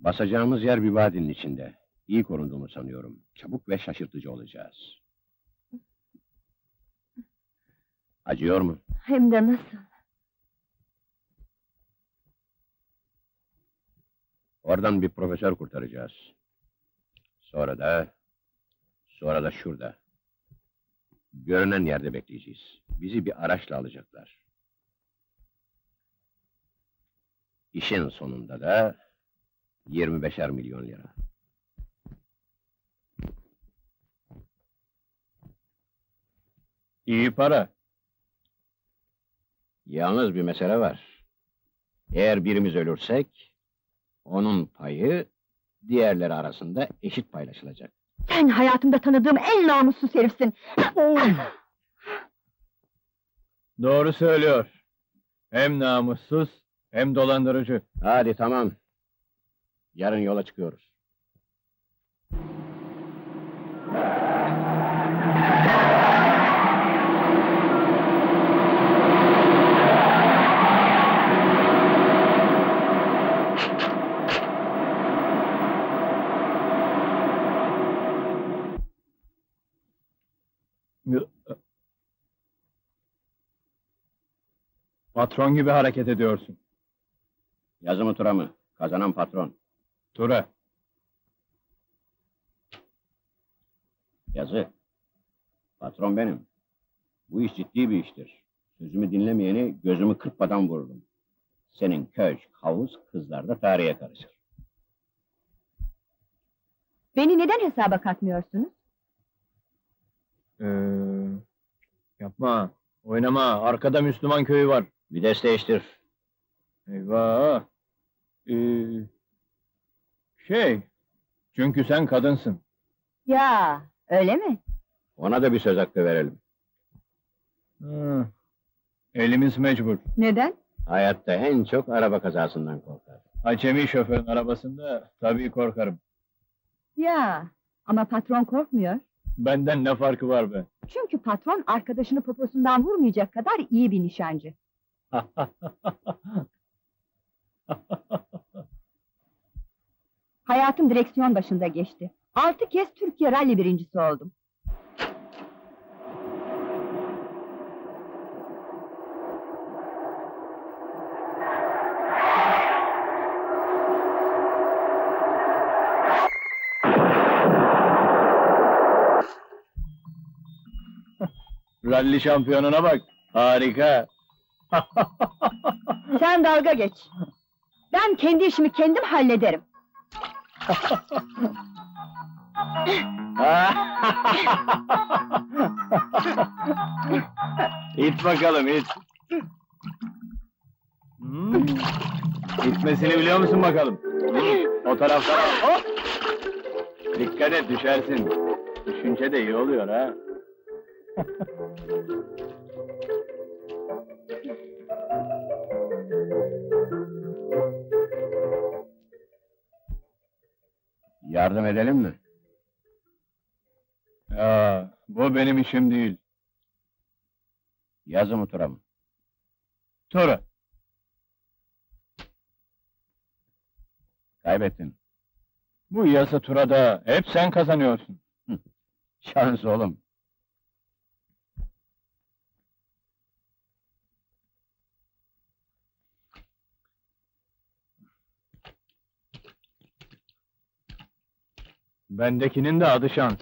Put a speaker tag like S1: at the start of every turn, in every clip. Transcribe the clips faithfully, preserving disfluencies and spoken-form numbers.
S1: Basacağımız yer bir vadinin içinde. İyi korunduğunu sanıyorum. Çabuk ve şaşırtıcı olacağız. Acıyor mu?
S2: Hem de nasıl?
S1: Oradan bir profesör kurtaracağız. Sonra da... Sonra da şurada. Görünen yerde bekleyeceğiz. Bizi bir araçla alacaklar. İşin sonunda da... yirmi beşer milyon lira.
S3: İyi para.
S1: Yalnız bir mesele var. Eğer birimiz ölürsek... onun payı... diğerleri arasında eşit paylaşılacak.
S2: Sen hayatımda tanıdığım en namussuz herifsin!
S3: Doğru söylüyor. Hem namussuz, hem dolandırıcı.
S1: Hadi tamam. Yarın yola çıkıyoruz.
S3: Patron gibi hareket ediyorsun.
S1: Yazı mı tura mı? Kazanan patron.
S3: Tura.
S1: Yazı. Patron benim. Bu iş ciddi bir iştir. Sözümü dinlemeyeni gözümü kırpmadan vururum. Senin köşk, havuz, kızlar da tarihe karışır.
S2: Beni neden hesaba katmıyorsunuz?
S3: Ee, yapma, oynama. Arkada Müslüman köyü var.
S1: Vites değiştir.
S3: Eyvah! Ee, şey, çünkü sen kadınsın.
S2: Ya, öyle mi?
S1: Ona da bir söz hakkı verelim.
S3: Hı, elimiz mecbur.
S2: Neden?
S1: Hayatta en çok araba kazasından korkar.
S3: Acemi şoförün arabasında tabii korkarım.
S2: Ya, ama patron korkmuyor.
S3: Benden ne farkı var be?
S2: Çünkü patron arkadaşını poposundan vurmayacak kadar iyi bir nişancı. Hayatım direksiyon başında geçti. Altı kez Türkiye Rally birincisi oldum.
S3: Ralli şampiyonuna bak, harika!
S2: Sen dalga geç. Ben kendi işimi kendim hallederim.
S3: İt bakalım, it! Hmm. İtmesini biliyor musun bakalım? Hmm. O taraftan al, hop! Dikkat et, düşersin. Düşünce de iyi oluyor ha.
S1: Yardım edelim mi?
S3: Ya, bu benim işim değil.
S1: Yazı mı tura mı?
S3: Tura.
S1: Kaybettin.
S3: Bu yasa turada hep sen kazanıyorsun.
S1: Şans oğlum.
S3: Bendekinin de adı şans.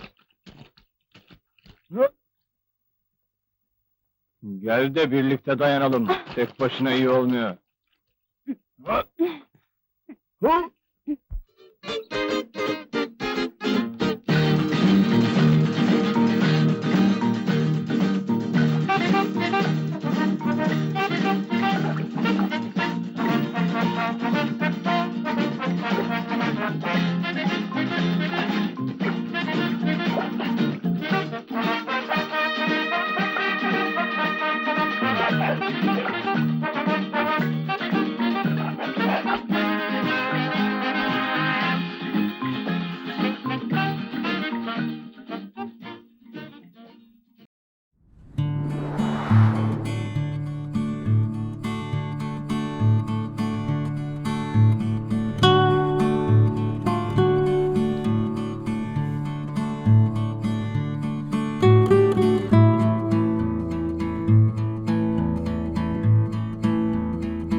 S3: Gel de birlikte dayanalım. Tek başına iyi olmuyor. Hı?